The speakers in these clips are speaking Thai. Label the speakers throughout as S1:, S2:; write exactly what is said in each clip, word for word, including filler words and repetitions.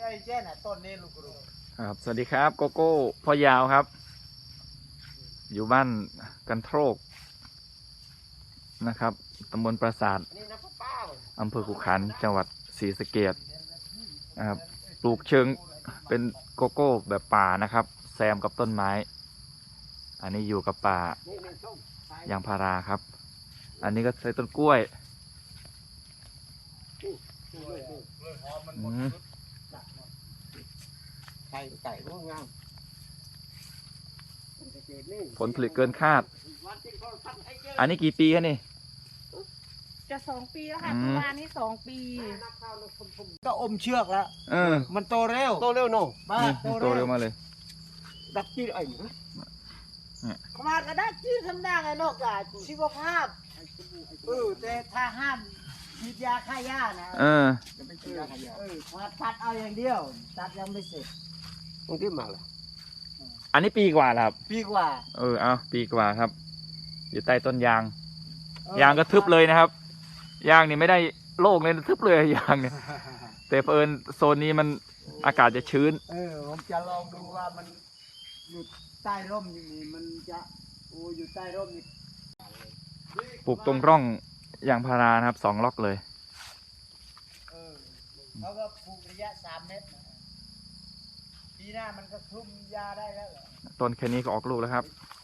S1: อ้เจ้น่ะต้นนี้ลูกกรู
S2: ครับสวัสดีครับโกโก้พ่อยาวครับอยู่บ้านกันโทรกนะครับตำบลปราสาทอำเภอขุขันธ์จังหวัดศรีสะเกษนะครับปลูกเชิงเป็นโกโก้แบบป่านะครับแซมกับต้นไม้อันนี้อยู่กับป่ายางพาราครับอันนี้ก็ใส่ต้นกล้วย
S1: ไก่ไก่ก็งาม
S2: ผลผลิตเกินคาดอันนี้กี่ปีครับนี่
S3: จะสองปีแล้วค่ะประมาณนี้สองปี
S1: ก็อมเชือกแล้ว
S2: เออ
S1: มันโตเร็วโตเร็วโน่มา
S2: โตเร็วมาเลย
S1: ดักจี้ไอ้ขมาก็ดักจี้ทำได้ไงนอกจากชีวภาพเออแต่ถ้าห้ามฉีดยาฆ่าหญ้านะ
S2: เออ
S1: จะไม่ฉีดยาฆ่าหญ้าเออตัดเอาอย่างเดียวตัดยังไม่เสร็จตรงที่มาเลย
S2: อันนี้ปีกว่าครับ
S1: ปีกว่า
S2: เออเอาปีกว่าครับอยู่ใต้ต้นยางยางก็ทึบเลยนะครับยางนี่ไม่ได้โล่งเลยทึบเลยยางเนี่ยแต่เผอิญโซนนี้มันอากาศจะชื้น
S1: เออผมจะลองดูว่ามันอยู่ใต้ร่มอย่างนี้มันจะโอ้อยู่ใต้ร่มนี่
S2: ปลูกตรงร่องยางพารานะครับสองล็อกเลย
S1: เออเขาก็ปลูกระยะสามเมตรปีหน้ามันก็คลุมยาได้แล้ว
S2: ต้นแค่นี้ก็ออกลูกแล้วครับ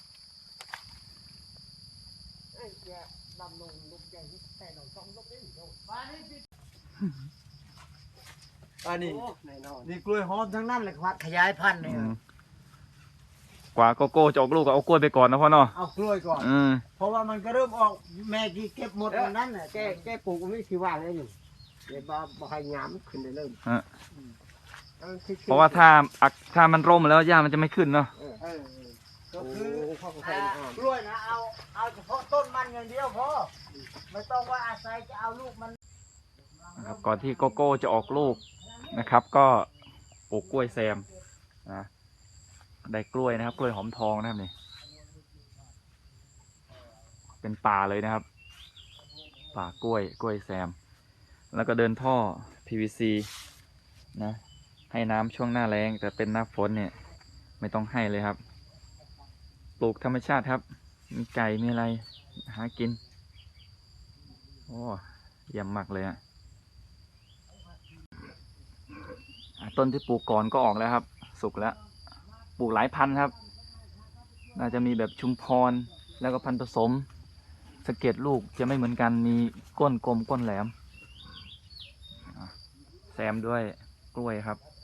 S1: อันนี้นี่กล้วยหอมทั้งนั้นเลยครับขยายพันธุ์เลย
S2: กว่าโกโก้จะออกลูกก็เอากล้วยไปก่อนนะพ่อเนาะ
S1: เอากล้วยก่อนเพราะว่ามันก็เริ่มออกแม่กี่เก็บหมดวันนั้นน่ะแกแกปลูกไม่คิดว่าเลยอยู่เดี๋ยวบ่บ่ให้งามขึ้นได้เลย
S2: เพราะว่าถ้าถ้ามันร่มแล้วหญ้ามันจะไม่ขึ้นเนาะ
S1: ก็คือกล้วยนะเอาเอาเฉพาะต้นมันอย่างเดียวพอไม่ต้องว่าอาศัยจะเอาลูกมัน
S2: นะครับก่อนที่โกโก้จะออกลูกนะครับก็ปลูกกล้วยแซมนะได้กล้วยนะครับกล้วยหอมทองนะครับนี่เป็นป่าเลยนะครับป่ากล้วยกล้วยแซมแล้วก็เดินท่อ พี วี ซี นะให้น้ำช่วงหน้าแล้งแต่เป็นหน้าฝนเนี่ยไม่ต้องให้เลยครับปลูกธรรมชาติครับมีไก่มีอะไรหากินโอ้เยี่ยมมากเลยอะต้นที่ปลูกก่อนก็ออกแล้วครับสุกแล้วปลูกหลายพันธุ์ครับน่าจะมีแบบชุมพรแล้วก็พันธุ์ผสมสะเก็ดลูกจะไม่เหมือนกันมีก้นกลมก้นแหลมแซมด้วยกล้วยครับ